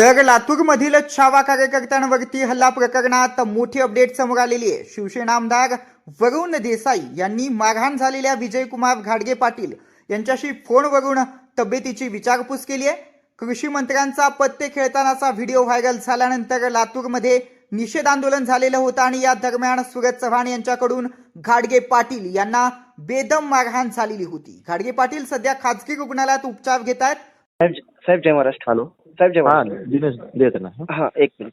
तर लातूरमधील छावा कार्यकर्त्यांवरती हल्ला प्रकरणात मोठी अपडेट समोर आलेली आहे. शिवसेना आमदार वरुण देसाई यांनी मारहाण झालेल्या विजयकुमार घाडगे पाटील यांच्याशी फोनवरून तब्येतीची विचारपूस केली आहे. कृषी मंत्र्यांचा पत्ते खेळतानाचा व्हिडिओ व्हायरल झाल्यानंतर लातूरमध्ये निषेध आंदोलन झालेलं होतं आणि या दरम्यान सूरज चव्हाण यांच्याकडून घाडगे पाटील यांना बेदम मारहाण झालेली होती. घाडगे पाटील सध्या खाजगी रुग्णालयात उपचार घेत आहेत. साहेब साहेब जय महाराष्ट्र. हॅलो साहेब जय हा महाराष्ट्र. दिनेश देत ना. हा एक मिनिट.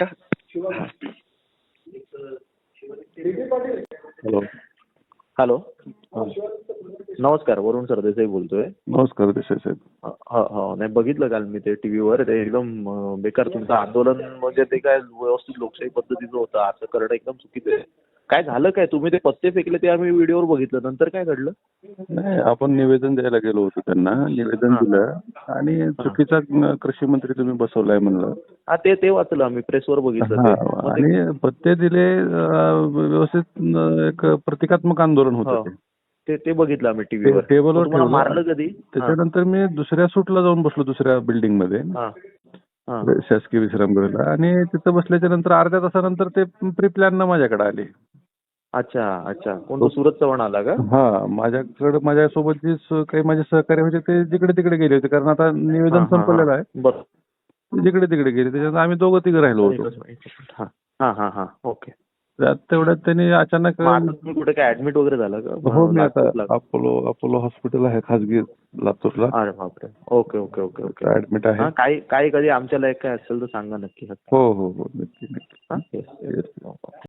हॅलो हॅलो नमस्कार, वरुण सरदेसाई बोलतोय. नमस्कार देसाई साहेब. हा नाही बघितलं काल मी ते टीव्हीवर. ते एकदम बेकार तुमचं आंदोलन, म्हणजे ते काय व्यवस्थित लोकशाही पद्धतीचं होतं, असं करणं एकदम चुकीचं आहे. काय झालं काय? तुम्ही ते पत्ते फेकले ते आम्ही व्हिडिओवर बघितलं, नंतर काय घडलं? नाही, आपण निवेदन द्यायला गेलो होतो त्यांना, निवेदन दिलं आणि चुकीचा कृषी मंत्री तुम्ही बसवलाय म्हणलं. हा ते वाचलं आम्ही, प्रेसवर बघितलं हा, ते. आणि पत्ते दिले, व्यवस्थित एक प्रतिकात्मक आंदोलन होतं ते बघितलं आम्ही टीव्हीवर. टेबलवर तुम्हाला ठेवलं. मारलं कधी? त्याच्यानंतर मी दुसऱ्या सूटला जाऊन बसलो, दुसऱ्या बिल्डिंग मध्ये, शासकीय विश्रामगृहाला, आणि तिथं बसल्याच्या नंतर अर्ध्या तासानंतर ते प्री प्लॅन माझ्याकडे आले. अच्छा अच्छा. कोण सूरज चव्हाण आला का? हा, माझ्यासोबत जे काही माझे सहकारी होते ते जिकडे तिकडे गेले होते, कारण आता निवेदन संपलेलं आहे. बरं, जिकडे तिकडे गेले, त्याच्यात आम्ही दोघं तिघं राहिलो होतो. हा ओके. त्यात तेवढ्यात त्यांनी अचानक, तुम्ही कुठे काय ऍडमिट वगैरे झालं का? हो, मी आता अपोलो हॉस्पिटल आहे खाजगी लातूरला. अरे बापरे. Okay okay okay okay. Admit आहे. काही कधी आमच्या लायक काय असेल तर सांगा नक्की. हो हो हो, नक्की नक्की. हा? Yes, yes.